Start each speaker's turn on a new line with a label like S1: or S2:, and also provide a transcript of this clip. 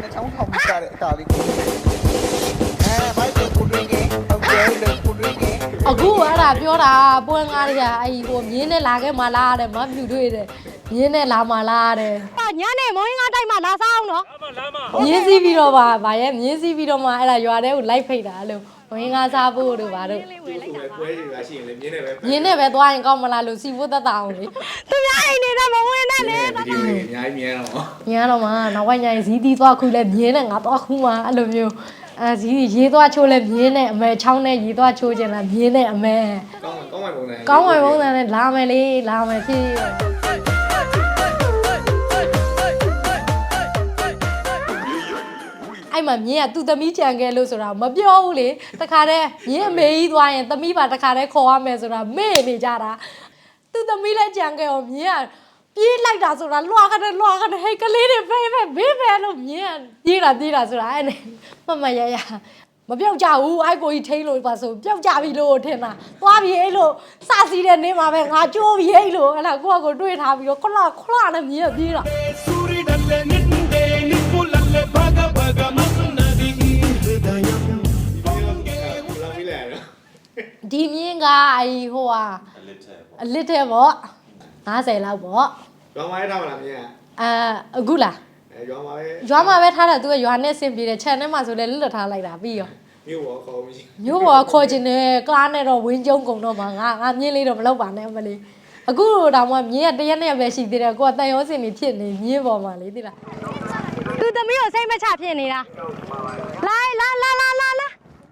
S1: နဲ့ချောင်းထောင်ပြီးကြတဲ့အကာလေးကိုဘိုက်ကိုပူရင်းကဟုတ်ကဲ့လေပူရင်းက
S2: အခုအဲ့ဒါပြောတာပွဲငါးတွေကအဲ့ဒီဟိုမြင်းနဲ့လာခဲ့မှလားတဲ့မပြူတွေ့တယ်မြင်းနဲ့လာမှလားတဲ့ညနေမိုးငါးတိုက်မှလာစားအောင်နော်မြင်းစီးပြီးတော့ဗာရဲ့မြင်းစီးပြီးတော့မှအဲ့ဒါရွာထဲကိုလိုက်ဖိတ်တာလို့ဝင်းကားစားဖို့တို့ဗာတို့
S3: ပွဲတွေကရှိရင်လေမြင်းနဲ့ပဲ
S2: မြင်းနဲ့ပဲသွားရင်ကောင်းမလားလို့စီဖို့သက်သာအောင်လေသူများအိမ်နေတဲ့မဝင်နဲ့လေ
S3: ဗီဒီယိုတွေအများကြီးမြင်ရတော့
S2: မြင်ရတော့မှနောက်ပိုင်းညရင်ဇီးသီးသွားခုလဲမြင်းနဲ့ငါသွားခုမှအဲ့လိုမျိုးအဲဇီးရေးသွားချိုးလဲမြင်းနဲ့အမဲချောင်းနဲ့ရေးသွားချိုးခြင်းလားမြင်းနဲ့အမဲ
S3: ကောင်းဝင်ပုံစံ
S2: နဲ့လာမယ်လေလာမယ်ဖြစ်အဲ့မှာမြင်းကသူ့သမီးကြံခဲ့လို့ဆိုတာမပြောဘူးလေတခါတည်းမြင်းအမေကြီးသွားရင်သမီးပါတခါတည်းခေါ်ရမယ်ဆိုတာမေ့နေကြတာသူ့သမီးလည်းကြံခဲ့အောင်မြင်းကပြေးလိုက်တာဆိုတာလွှာခတဲ့ဟဲ့ကလေးတွေဖေးဘေးပဲလို့မြင်းကပြေးတာဆိုတာအဲ့နဲ့မရမပြောက်ကြဘူးအဲ့ကိုကြီးထိန်းလို့ပါဆိုပြောက်ကြပြီလို့ထင်တာသွားပြီအဲ့လိုစစီးတဲ့နေမှာပဲငါကြိုးပြီအဲ့လိုအဲ့ဒါကိုတွေးထားပြီးတော့ခလနဲ့မြင်းကပြေးတာဒီမြင်းကအဲ့ဟိုဟာအလစ်တဲ့ပေါ့50လောက်ပေါ့
S3: ရွာမှာထားမလားမြင်း
S2: အခုလားရွာမှာပဲထားတာသူကရွာနဲ့ဆင်ပြေတယ်ခြံထဲမှာဆိုလဲလွတ်ထားလိုက်တာပြီးရော
S3: မြို့ပေါ်ခေါ်မရှိ
S2: မြို့ပေါ်ခေါ်ခြင်းနဲ့ကားနဲ့တော့ဝင်းကျုံကုန်တော့မှာငါမြင်းလေးတော့မလောက်ပါနဲ့အမလေးအခုတော့မှမြင်းကတရက်နဲ့ပဲရှိသေးတယ်ကိုကတန်ရောစင်နေဖြစ်နေမြင်းပေါ်မှာလေသိလားသူသမီးကိုစိတ်မချဖြစ်နေတာလာ